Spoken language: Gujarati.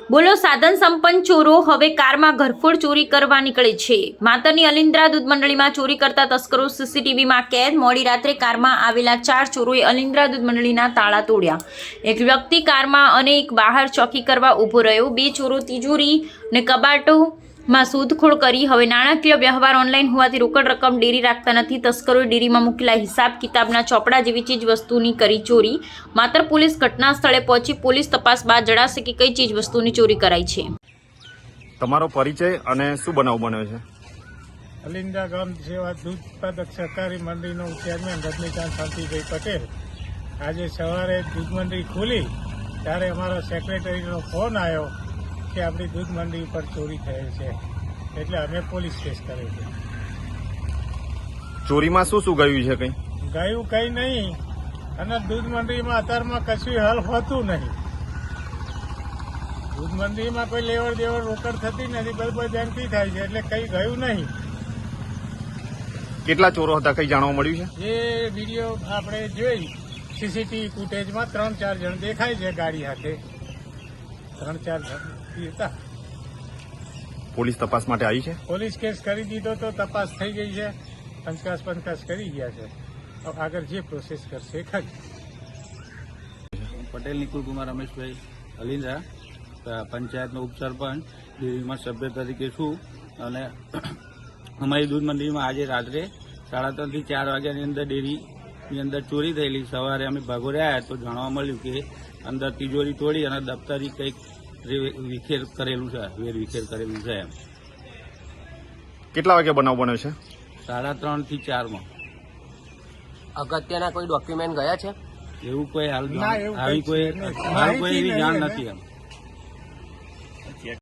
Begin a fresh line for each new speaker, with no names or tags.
બોલો સાધન સંપન્ન ચોરો હવે કારમાં ઘરફોડ ચોરી કરવા નીકળે છે। માતરની અલિન્દ્રા દૂધ મંડળીમાં ચોરી કરતા તસ્કરો સીસીટીવીમાં કેદ। મોડી રાત્રે કારમાં આવેલા 4 ચોરોએ અલિન્દ્રા દૂધ મંડળીના તાળા તોડ્યા। એક વ્યક્તિ કારમાં અને એક બહાર ચોકી કરવા ઊભો રહ્યો। 2 ચોરો તિજોરી અને કબાટોમાં શોધખોળ કરી। હવે નાણાકીય વ્યવહાર ઓનલાઈન હોવાથી રોકડ રકમ ડેરી રાખતા નથી। તસ્કરોએ ડેરીમાં મૂકેલા હિસાબ કિતાબના ચોપડા જેવી ચીજ વસ્તુની કરી ચોરી। માતર પોલીસ ઘટના સ્થળે પહોંચી પોલીસ તપાસ બાદ જણાશે કે કઈ ચીજ વસ્તુની ચોરી કરાઈ છે।
તમારો પરિચય અને શું બનાવ બન્યો છે?
અલિન્દ્રા ગ્રામ સેવા દૂધ ઉત્પાદક સહકારી મંડળીનો ચેરમેન રજનીકાંત શાંતિભાઈ પટેલ આજે સવારે દૂધ મંડળી ખોલી ત્યારે અમારા સેક્રેટરીનો ફોન આવ્યો કે આપણી દૂધ મંડળી પર ચોરી થયેલ છે, એટલે અમે પોલીસ કેસ કર્યો છે।
ચોરીમાં શું શું ગયું છે?
ગયું કંઈ નહીં, અને દૂધ મંડળીમાં અત્યારમાં કશું હલ હોતું નહીં। દૂધ મંડળીમાં કોઈ લેવડ દેવડ રોકડ થતી નથી, બધું બેંકથી થાય છે, એટલે કંઈ ગયું નહીં।
કેટલા ચોરો હતા, કઈ જાણવા મળ્યું છે?
એ વિડીયો આપણે જોઈ સીસીટીવી ફૂટેજમાં 3-4 જણ દેખાય છે ગાડી હાથે, 3-4 જણ હતા।
પોલીસ તપાસ માટે આવી છે?
પોલીસ કેસ કરી દીધો તો તપાસ થઈ ગઈ છે, પંચકાશ કરી ગયા છે, આગળ જે પ્રોસેસ કરશે ખરી।
પટેલ નિકુલ કુમાર રમેશભાઈ અલિન્દ્રા, પંચાયતનો ઉપસરપંચ, ડેરીમાં સભ્ય તરીકે છું। અને અમારી દૂધ મંડળીમાં આજે રાત્રે 3:30 થી 4 વાગ્યાની અંદર ડેરીની અંદર ચોરી થયેલી। સવારે અમે ભાગોળે આવ્યા તો જાણવા મળ્યું કે અંદર તિજોરી તોડી અને દફતરી કંઈક વેરવિખેર કરેલું છે।
કેટલા વાગે બનાવ બન્યો છે?
3:30 થી 4 માં।
અગત્યના કોઈ ડોક્યુમેન્ટ ગયા છે?
એવું કોઈ હાલ
ના, એવું
આવી
કંઈ
કોઈ
છે નહીં.
મારું કોઈ એવી
માહિતી
જાણ
નહીં
નથી એમ।